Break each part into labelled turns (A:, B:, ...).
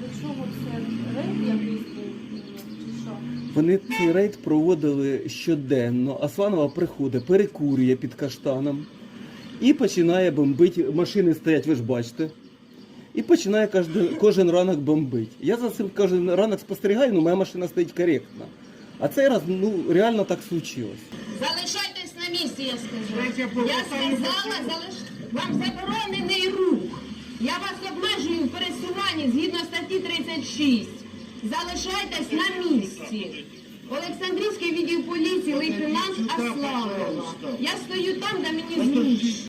A: до чого це рейд якийсь був? Чи що?
B: Вони цей рейд проводили щоденно. Асфанова приходить, перекурює під каштаном і починає бомбити. Машини стоять, ви ж бачите. І починає кожен ранок бомбити. Я за цим кожен ранок спостерігаю, але моя машина стоїть коректно. А цей раз, реально так случилось.
C: Залишайтесь на місці, я скажу. Я сказала, вам заборонений рух. Я вас обмежую в пересуванні згідно статті 36. Залишайтесь на місці. Олександрівський відділ поліції, лейтенант Аславова. Я стою там, де мені зручно.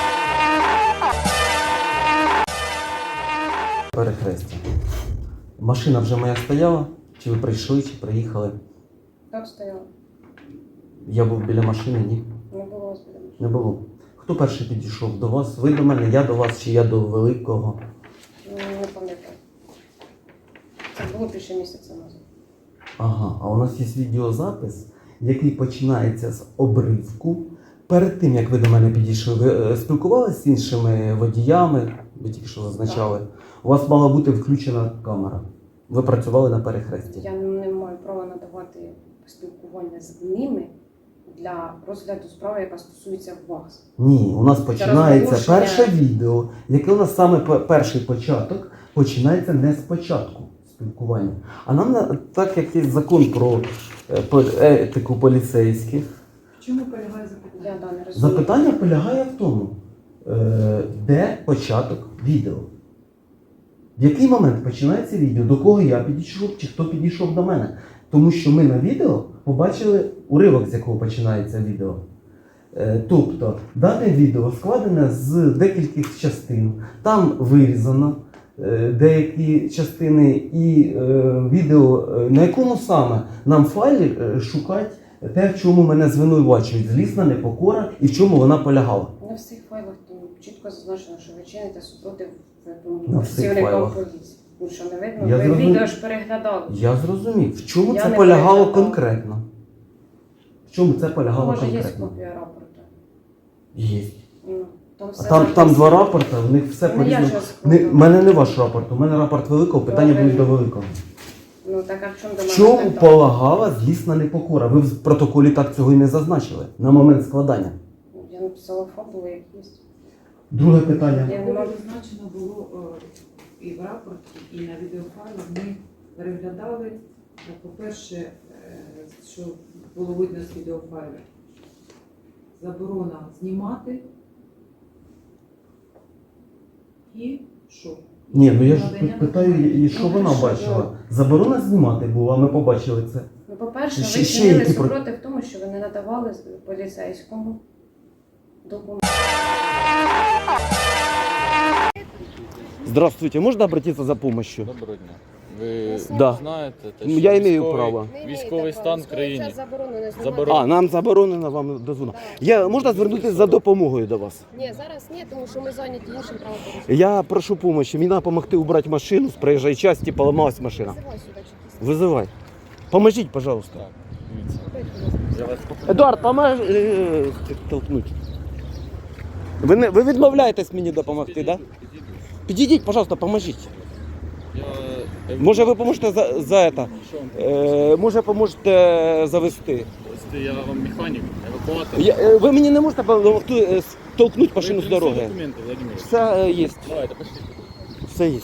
B: Перехрестя. Машина вже моя стояла? Чи ви прийшли, чи приїхали?
A: Так стояло.
B: Я був біля машини, ні?
A: Не було вас біля машини.
B: Не було. Хто перший підійшов до вас? Ви до мене, я до вас, чи я до великого?
A: Не пам'ятаю. Це було більше місяця назад.
B: Ага, а у нас є відеозапис, який починається з обривку. Перед тим, як ви до мене підійшли, ви спілкувалися з іншими водіями, ви тільки що зазначали. У вас мала бути включена камера. Ви працювали на перехресті.
A: Я не маю права надавати спілкування з ними для розгляду справи, яка стосується вас.
B: Ні, у нас починається
A: розголошення.
B: перше відео, яке у нас саме перший початок, починається не спочатку спілкування. А нам, так як є закон про етику поліцейських,
D: В чому полягає запитання?
A: Я не розумію.
B: запитання полягає в тому, де початок відео. В який момент починається відео, до кого я підійшов, чи хто підійшов до мене. Тому що ми на відео побачили уривок, з якого починається відео. Тобто, дане відео складене з декількох частин. Там вирізано деякі частини і відео, на якому саме нам файлі шукати те, в чому мене звинувачують. Злісна непокора і в чому вона полягала.
A: На всіх файлах там чітко зазначено, що ви чините супротив
B: На всіх
A: працівникам
B: файлах.
A: поліції. Ну що, не видно?
B: Я
A: Ви
B: зрозумів.
A: відео ж переглядали.
B: Я зрозумів. В чому
A: Я
B: це
A: не
B: полягало
A: переглядала.
B: конкретно? В чому це полягало
A: Може, є
B: конкретно?
A: копія рапорту.
B: Є.
A: Ну, там все
B: Там
A: написано.
B: два рапорти, в них все
A: Ну, я
B: по-різному.
A: щас
B: У
A: скажу.
B: мене не ваш рапорт, у мене рапорт великого, питання
A: Добре.
B: будуть до великого.
A: Ну так, а в чому до
B: В
A: мене
B: чому
A: питання?
B: полагала злісна непокора? Ви в протоколі так цього і не зазначили на момент складання.
A: Я написала фабулу якісь.
B: Друге питання.
A: Я не можу.
D: Зазначено було і в рапорті, і на відеофайлах. Ми переглядали, по-перше, що було видно з відеофайлів. Заборона знімати і що?
B: Ні, ну я ж
D: Надання
B: питаю, і що
A: Ну,
B: вона
A: хорошо,
B: бачила. Заборона знімати була, ми побачили це.
A: Ну, по-перше,
B: Ще-
A: ви
B: ще
A: чинили
B: які
A: супротив тому, що ви не надавали поліцейському документ.
B: Здравствуйте, можна обратитися за допомогою?
E: Доброго дня. Ви
B: Да.
E: знаєте, те,
B: Ну,
E: що
B: я маю
E: військовий-
B: право.
E: Військовий стан в країні.
B: А, нам заборонено вам дозволено. Я можна звернутися за допомогою до вас?
A: Ні, зараз ні, тому що ми зайняті іншим правопорушенням.
B: Я прошу допомоги. Мені треба допомогти убрати машину з проїжджої частини, поламалась машина.
A: Визивай сюди чекіст.
B: Вызывай. Поможіть, пожалуйста.
E: Так, дивіться. Я вас попрошу.
B: Едуард, поможи толкнуть. Ви відмовляєтесь мені допомогти, так? Да? Підійдіть, пожалуйста, поможіть. Може ви поможете за это?
E: Що вам?
B: Може поможете завести?
E: Ось я вам механік, евакуатор.
B: Ви мені не можете допомогти толкнути машину з
E: Ви
B: дороги?
E: принесли документи, Владимир.
B: Все є.
E: Давайте, пошли.
B: Все є.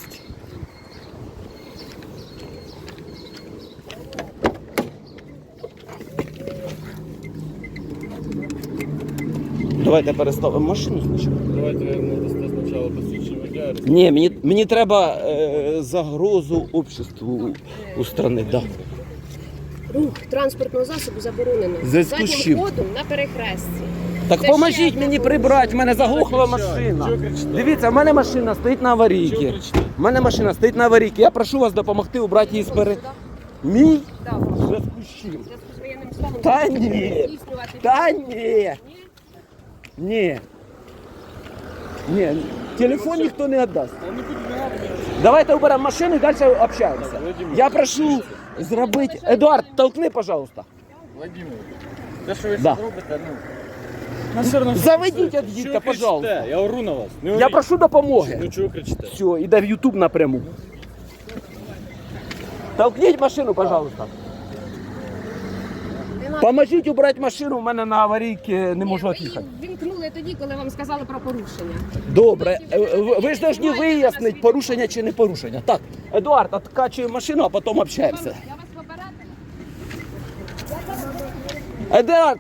B: Давайте переставимо машину спочатку.
E: Давайте ви надасте спочатку посвідчення водія.
B: Ні, мені треба загрозу обществу устранити. Да.
A: Рух транспортного засобу заборонено.
B: В зв'язку з чим?
A: ходом на перехресті.
B: Так
A: Це
B: поможіть
A: ще
B: мені
A: одне
B: прибрати, в мене заглохла
E: Чого
B: машина.
E: кричите?
B: Дивіться, в мене машина стоїть на
E: Чого
B: аварійці.
E: кричите?
B: В мене машина стоїть на аварійці. Я прошу вас допомогти убрати її з Мій?
A: Так,
B: В зв'язку з чим?
A: в зв'язку з воєнним станом.
B: Та
A: ви
B: ні.
A: можете здійснювати
B: Та
A: дії.
B: ні. Ні. Ні. Телефон ніхто не віддасть.
E: Та не будь мене.
B: Давайте уберемо машину і далі общаємося.
E: Владимир,
B: Я прошу зробити... Едуард, толкни, пожалуйста.
E: Владимир, те, що ви
B: Да.
E: да. робите, ну все одно.
B: Заведіть
E: Чого
B: від дітка,
E: кричите?
B: пожалуйста.
E: Я ору на вас. Не
B: Я
E: оріть.
B: прошу допомоги.
E: Ну чого кричите?
B: Все, іде в YouTube напряму. Толкніть машину, пожалуйста. Поможіть убрати машину, у мене на аварійці не можу від'їхати.
F: Вімкнули тоді, коли вам сказали про порушення.
B: Добре, ви ж повинні вияснити, порушення чи не порушення. Так, Едуард, откачуємо машину, а потім общаємося.
F: Я вас попередила.
B: Едуард,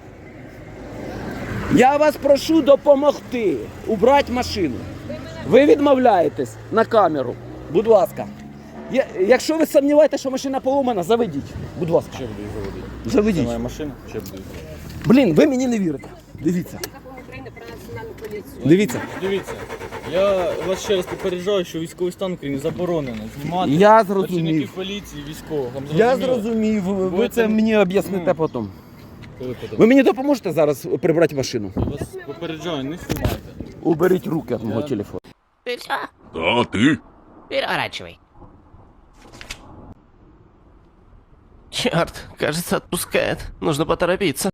B: я вас прошу допомогти убрати машину. Ви відмовляєтесь на камеру, будь ласка. Якщо ви сумніваєтеся, що машина поломана, заведіть, будь ласка.
E: Ще буду їх заводити. Це
B: Заведіть.
E: моя машина, ще буду їх заводити.
B: Блін, ви мені не вірите. Дивіться,
F: Закон України про національну поліцію.
B: дивіться.
E: Дивіться, я вас ще раз попереджаю, що військовий стан в Україні заборонено знімати
B: Я
E: працівників
B: зрозумів.
E: поліції, військових. Вам
B: Я
E: зрозуміло?
B: зрозумів, ви
E: Будете-
B: це мені об'ясните потім.
E: Коли потім?
B: Ви мені допоможете зараз прибрати машину?
E: Я вас попереджаю, не знімайте.
B: Уберіть руки від мого телефону.
G: Ты все?
H: Да, ты?
G: Переворачивай. Черт, кажется, отпускает. Нужно поторопиться.